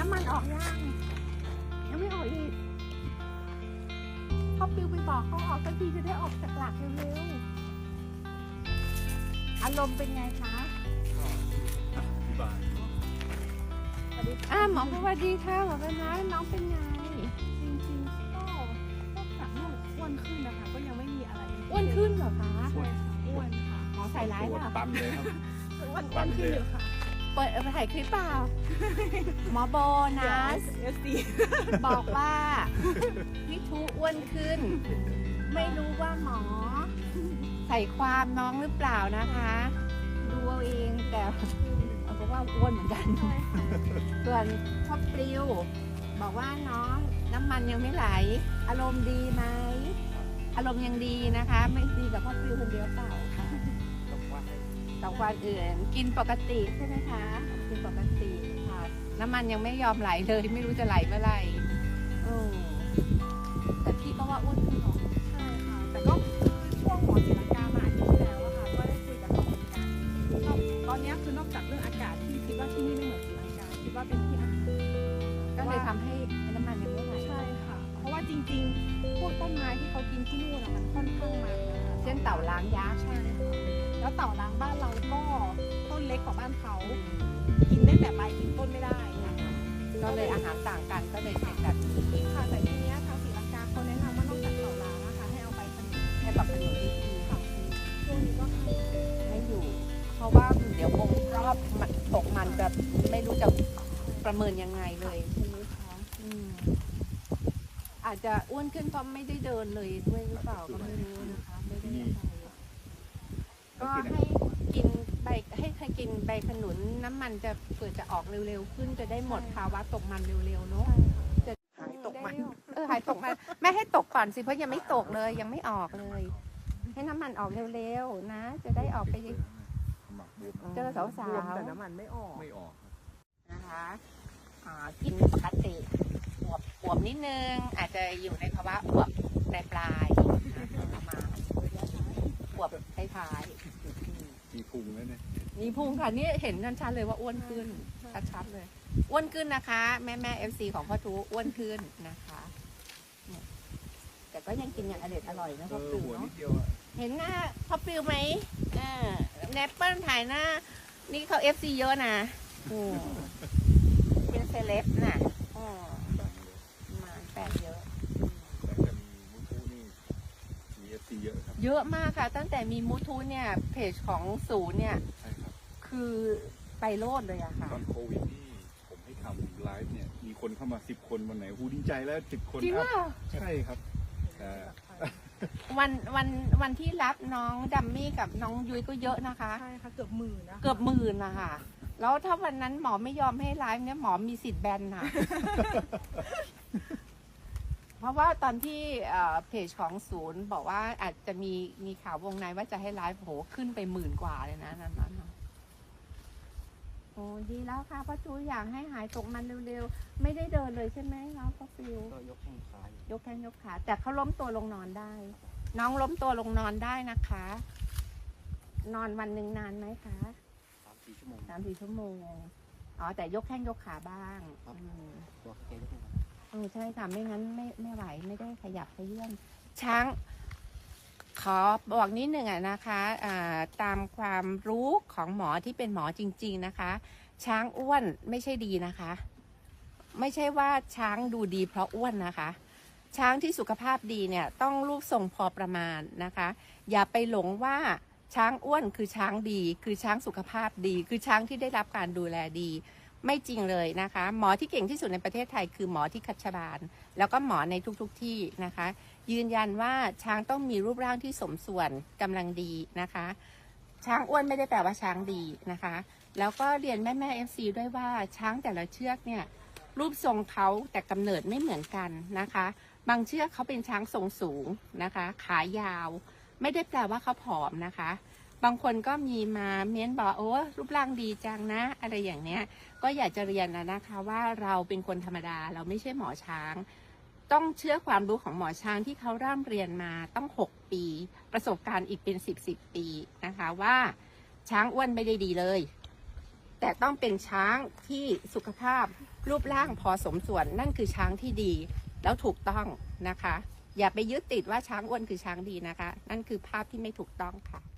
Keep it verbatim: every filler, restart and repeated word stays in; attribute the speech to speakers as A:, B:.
A: ำมันออกยังยังไม่ออกอีกพ่อปิวไปบอกเขาออกสักทีจะได้ออกจากหลักเร็วๆอารมณ์เป็นไงคะอ่าหมอสวัสดีค่ะหมอเป็นไงน้องเป็นไง
B: จริงๆก็ก็จากลูกอ้วนขึ้นนะคะก็ยังไม่มีอะไร
A: อ้วนขึ้นเหรอคะ
B: ใช่ค่ะอ้วนค่ะ
A: หมอใส่ร้ายเปล่า
C: ตันเลยครับ
B: อ้วนอ้วนขึ้นอยู่ค่ะ
A: เปิดเอาไปถ่ายคลิปเปล่าหมอโบนะ
B: เอสซี
A: บอกว่าพี่ทูอ้วนขึ้น ไม่รู้ว่าหมอ ใส่ความน้องหรือเปล่านะคะดูเอาเองแต่เอาบอกว่าอ้วนเหมือนกันส่วนพ่อปลิวบอกว่าน้องน้ำมันยังไม่ไหล อารมณ์ดีไหมอารมณ์ยังดีนะคะ ไม่ดีกับพ่อปลิวคนเดียวเปล่าค่ะกับวันอื่นกินปกติใช่ไหมคะกินปกติค่ะน้ำมันยังไม่ยอมไหลเลยไม่รู้จะไหลเมื่อไหร่โอ้แต่พี่ก็ว่าอ้วนขึ้นเนาะ
B: ใช่ค่ะแต่ก็ช่วงหมอศรีลังกามาอาทิตย์ที่แล้วอะค่ะก็ได้คุยกับเขาเหมือนกันก็ตอนนี้คือนอกจากเรื่องอากาศที่คิดว่าที่นี่ไม่เหมือนศรีลังกาคิดว่าเป็นที่อาหาร
A: ก็เลยทำให้น้ำมันยังไม่ไหล
B: ใช่ค่ะ เพราะว่าจริงๆพวกต้นไม้ที่เขากินที่นู่นอะมันค่อนข้างมันนะคะ
A: เช่นเต่าล้างยักษ์
B: ใช่ค่ะแล้วเต่าล้างบ้านเราก็ต้นเล็กกว่าบ้านเขากินได้แต่ใบกินต้นไม่ได้นะคะ
A: ก็เลยอาหารต่างกันก็เลยเป็นแบบนี้
B: ค่ะแต่ทีเนี้ยทางศรีลังกาเขาแนะนำว่านอกจากเต่าล้างนะคะให้เอาใบขนุน
A: ให้ปรับขนมดี
B: ค่ะช่วงนี้ก็ให้
A: ๆไม่อยู่ เพราะว่าเดี๋ยวองค์รอบมันตกมันจะไม่รู้จะประเมินยังไงเลยใช่ไหมคะอืมอาจจะอ้วนขึ้นเพราะไม่ได้เดินเลยด้วยหรือเปล่าก็ไม่รู้นะคะไม่ได้อะไรก็ให้กินใบให้ให้กินใบขนุนน้ำมันจะเปิดจะออกเร็วๆขึ้นจะได้หมดภาวะตกมันเร็วๆเนาะ จะ
B: หายตกมัน
A: เออหายตกมันแม่ให้ตกก่อนสิเพราะยังไม่ตกเลยยังไม่ออกเลย ให้น้ำมันออกเร็วๆนะ จะได้ออกไปเจอสาวๆ
B: แต่น้ำมันไม่ออก
C: ไม่ออก
A: นะคะอ่ากินปกติอวบอวบนิดนึงอาจจะอยู่ในภาวะอวบปลายปลายๆนะประมาณอวบท้ายๆ
C: มีพุงแล้วเนี่ย
A: มีพุงค่ะนี่เห็นกันชัดเลยว่าอ้วนขึ้นชัดๆเลยอ้วนขึ้นนะคะ แม่แม่เอฟซีของพ่อทูอ้วนขึ้นนะคะเนี่ยแต่ก็ยังกินอย่างอร่อยอร่อยนะ
C: เอ
A: พ่อ
C: อ
A: ปิว
C: หัวนิ
A: เนาะ
C: ดเดียวอะ
A: เห็นหน้าพ่อปิวไหมอ่าแนปเปิลถ่ายหน้า นี่เขาเอฟซีเยอะนะอืมเป็นเซเลบน่ะอืม
C: ดังเลย
A: มาแฟนเยอะ
C: แต่จะมีมุทูนี่มีเอฟซีเยอะครับ
A: เยอะมากค่ะ ตั้งแต่มีมูทูเนี่ยเพจของศูนย์เนี่ย
C: ใช่ครับ
A: คือไปโลดเลยอะค่ะ
C: ตอนโควิดนี่ผมให้ทำไลฟ์เนี่ย มีคนเข้ามาสิบคนวันไหนหูดีใจแล้วสิบคน
A: จริง
C: อั
A: ว่า
C: พใช่ครับแต่
A: วันวันวันที่รับน้องดัมมี่กับน้องยุ้ยก็เยอะนะคะ
B: ใช่ค่ะเกือบหมื่นนะ
A: เกือบหมื่นนะคะแล้วถ้าวันนั้นหมอไม่ยอมให้ไลฟ์เนี่ยหมอมีสิทธิ์แบนค่ะ เพราะว่าตอนที่เอ่อเพจของศูนย์บอกว่าอาจจะมีมีข่าววงในว่าจะให้ไลฟ์โหขึ้นไปหมื่นกว่าเลยนะนั้นนั้นนะโอ้ดีแล้วค่ะพ่อจูอยากให้หายตกมันเร็วๆ ไม่ได้เดินเลยใช่ไหมน้องพ่อฟิว
D: ก็ยกแข้งขาย
A: ยกแข้งยกขา แต่เขาล้มตัวลงนอนได้ น้องล้มตัวลงนอนได้นะคะ นอนวันหนึ่งนานไหมคะ
D: สามสี่ชั่วโมง
A: สามสี่ชั่วโมง อ๋อ แต่ยกแข้งยกขาบ้าง
D: ครับ
A: อืม
D: ตัวแกยกแข้ง
A: เออใช่ค่ะไม่งั้นไม่ไม่ไหวไม่ได้ขยับขยื่นช้าง ขอบอกนิดหนึ่งอะนะคะอ่าตามความรู้ของหมอที่เป็นหมอจริง ๆนะคะ ช้างอ้วนไม่ใช่ดีนะคะ ไม่ใช่ว่าช้างดูดีเพราะอ้วนนะคะ ช้างที่สุขภาพดีเนี่ยต้องรูปทรงพอประมาณนะคะ อย่าไปหลงว่าช้างอ้วนคือช้างดี คือช้างสุขภาพดี คือช้างที่ได้รับการดูแลดี ไม่จริงเลยนะคะ หมอที่เก่งที่สุดในประเทศไทยคือหมอที่คัชบาลแล้วก็หมอในทุกๆทที่นะคะ ยืนยันว่าช้างต้องมีรูปร่างที่สมส่วนกำลังดีนะคะ ช้างอ้วนไม่ได้แปลว่าช้างดีนะคะ แล้วก็เรียนแม่แม่เอฟซีด้วยว่าช้างแต่ละเชือกเนี่ยรูปทรงเขาแต่กำเนิดไม่เหมือนกันนะคะ บางเชือกเขาเป็นช้างทรงสูงนะคะ ขายาว ไม่ได้แปลว่าเขาผอมนะคะ บางคนก็มีมาเม้นบอกโอ้รูปร่างดีจังนะ อะไรอย่างเนี้ยก็อยากจะเรียนนะนะคะว่าเราเป็นคนธรรมดาเราไม่ใช่หมอช้าง ต้องเชื่อความรู้ของหมอช้างที่เขาร่ำเรียนมาต้องหกปี ประสบการณ์อีกเป็นสิบสิบปีนะคะว่าช้างอ้วนไม่ได้ดีเลย แต่แต่ต้องเป็นช้างที่สุขภาพรูปร่างพอสมส่วนนั่นคือช้างที่ดีแล้วถูกต้องนะคะ อย่าไปยึดติดว่าช้างอ้วนคือช้างดีนะคะ นั่นคือภาพที่ไม่ถูกต้องค่ะ